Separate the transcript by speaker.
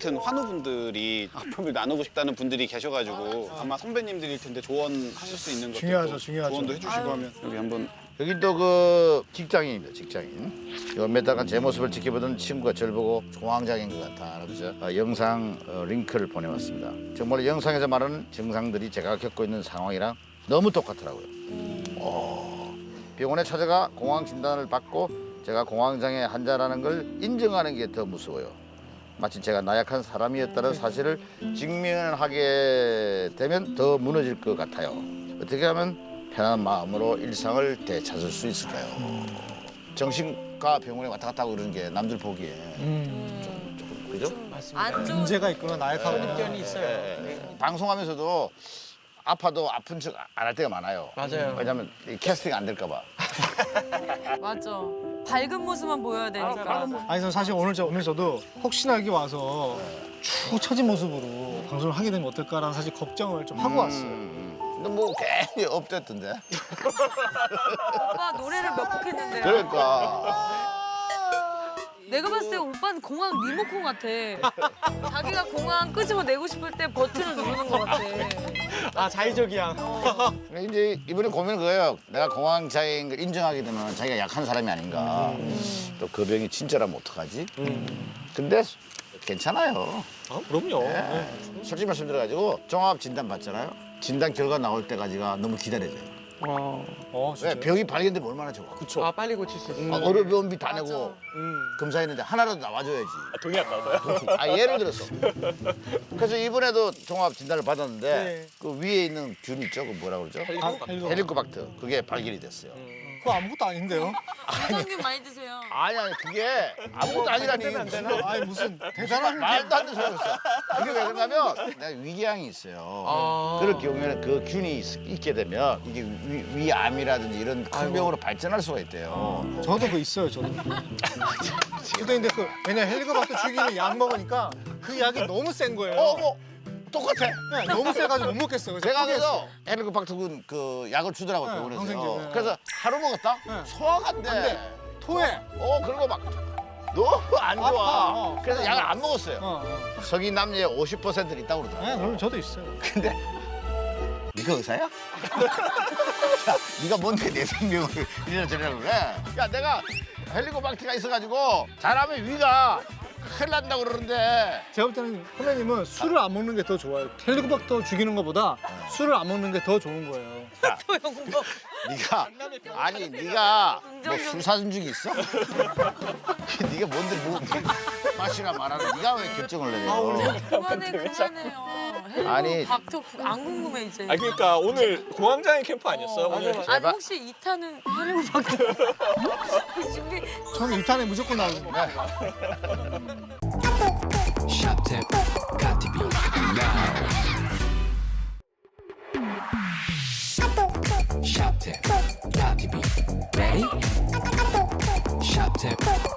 Speaker 1: 같은 환우분들이 아픔을 나누고 싶다는 분들이 계셔가지고 아마 선배님들일 텐데 조언하실 수 있는 것도
Speaker 2: 중요하죠, 중요하죠.
Speaker 1: 조언도 해주시고 하면 여기 한번
Speaker 3: 여기 또 그 직장인입니다, 직장인. 몇 달간 제 모습을 지켜보던 친구가 저를 보고 공황장애인 것 같아. 그래서 영상 링크를 보내왔습니다. 정말 영상에서 말하는 증상들이 제가 겪고 있는 상황이랑 너무 똑같더라고요. 병원에 찾아가 공황 진단을 받고 제가 공황장애 환자라는 걸 인정하는 게 더 무서워요. 마치 제가 나약한 사람이었다는 사실을 직면하게 되면 더 무너질 것 같아요. 어떻게 하면 편안한 마음으로 일상을 되찾을 수 있을까요? 정신과 병원에 왔다 갔다 하고 그러는 게 남들 보기에 조금 그죠?
Speaker 4: 안 좋은
Speaker 2: 문제가 있구나, 나약하고.
Speaker 5: 편이 있어요.
Speaker 3: 방송하면서도 아파도 아픈 척 안 할 때가 많아요.
Speaker 5: 맞아요.
Speaker 3: 왜냐면 이 캐스팅 안 될까 봐.
Speaker 4: 맞아. 밝은 모습만 보여야 되니까.
Speaker 2: 아니, 저 사실 오늘 오면서도 혹시나 여기 와서 축 처진 모습으로 방송을 하게 되면 어떨까라는 사실 걱정을 좀 하고 왔어요.
Speaker 3: 근데 뭐 괜히 업됐던데.
Speaker 4: 오빠 노래를 몇 곡 했는데요.
Speaker 3: 그러니까.
Speaker 4: 내가 봤을 때 오빠는 공항 리모컨 같아. 자기가 공항 끄집어내고 싶을 때 버튼을 누르는 것 같아.
Speaker 5: 아, 자의적이야.
Speaker 3: 이제 이번에 고민은 그거예요. 내가 공황장애인 걸 인정하게 되면 자기가 약한 사람이 아닌가. 또 그 병이 진짜라면 어떡하지? 근데 괜찮아요.
Speaker 5: 아, 그럼요.
Speaker 3: 네. 솔직히 말씀드려가지고 종합 진단 받잖아요. 진단 결과 나올 때까지가 너무 기다려져요.
Speaker 2: 진짜요?
Speaker 3: 왜 병이 발견되면 얼마나 좋아.
Speaker 5: 아, 빨리 고칠 수 있어.
Speaker 3: 의료비원비 다 내고
Speaker 4: 맞아.
Speaker 3: 검사했는데 하나라도 나와줘야지.
Speaker 1: 돈이 안 나와요?
Speaker 3: 예를 들어서. 그래서 이번에도 종합 진단을 받았는데
Speaker 2: 네.
Speaker 3: 그 위에 있는 균 있죠? 그 뭐라 그러죠? 헬리코박터. 그게 발견이 됐어요.
Speaker 2: 그거 아무것도 아닌데요?
Speaker 4: 유산균 많이 드세요.
Speaker 3: 아니 그게 아무것도 아니라니.
Speaker 2: 아니, 무슨 대단한
Speaker 3: 말도 안 되는 소리였어. 그게 왜 그러냐면 내가 위궤양이 있어요. 그럴 경우에는 그 균이 있게 되면 이게 위암이라든지 이런 큰 병으로 발전할 수가 있대요.
Speaker 2: 저도 그거 있어요, 저도. 근데 왜냐 헬리코박터 죽이는 약 먹으니까 그 약이 너무 센 거예요.
Speaker 3: 뭐 똑같아.
Speaker 2: 네, 너무 세가지고 못 먹겠어요. 그래서
Speaker 3: 제가
Speaker 2: 포기했어요.
Speaker 3: 그래서 헬리코박터균 그 약을 주더라고
Speaker 2: 네,
Speaker 3: 병원에서.
Speaker 2: 항생제, 네.
Speaker 3: 그래서 하루 먹었다?
Speaker 2: 네.
Speaker 3: 소화가 안 돼.
Speaker 2: 토해.
Speaker 3: 그리고 막 너무 안 좋아.
Speaker 2: 아파.
Speaker 3: 그래서 약을 안 먹었어요.
Speaker 2: 어.
Speaker 3: 성인 남녀의 50%는 있다고
Speaker 2: 네,
Speaker 3: 그러더라고.
Speaker 2: 그럼 저도 있어요.
Speaker 3: 근데 네가 의사야? 야, 네가 뭔데 내 생명을 이래저래 그래? 야, 내가 헬리코박터가 있어가지고 잘하면 위가 큰일 난다고 그러는데
Speaker 2: 제가 볼 때는 선배님은 술을 안 먹는 게 더 좋아요. 헬리코박터 죽이는 것보다 술을 안 먹는 게 더 좋은 거예요.
Speaker 3: 네가 아니 네가 뭐 술 사준 적이 있어? 네가 뭔데 뭐 마시라 말하라 네가 왜 결정을 내려?
Speaker 4: 그만해요.
Speaker 3: 아니.
Speaker 4: 박터 안 궁금해 이제.
Speaker 5: 아, 그러니까 오늘 공황장애 캠프 아니었어요? 오늘?
Speaker 4: 아니 혹시 2탄은 하려고 박터 준비.
Speaker 2: 저는 2탄에 무조건 나오거든요.
Speaker 6: Shop tip, got to be now. Shop tip, got to be ready. Shop tip,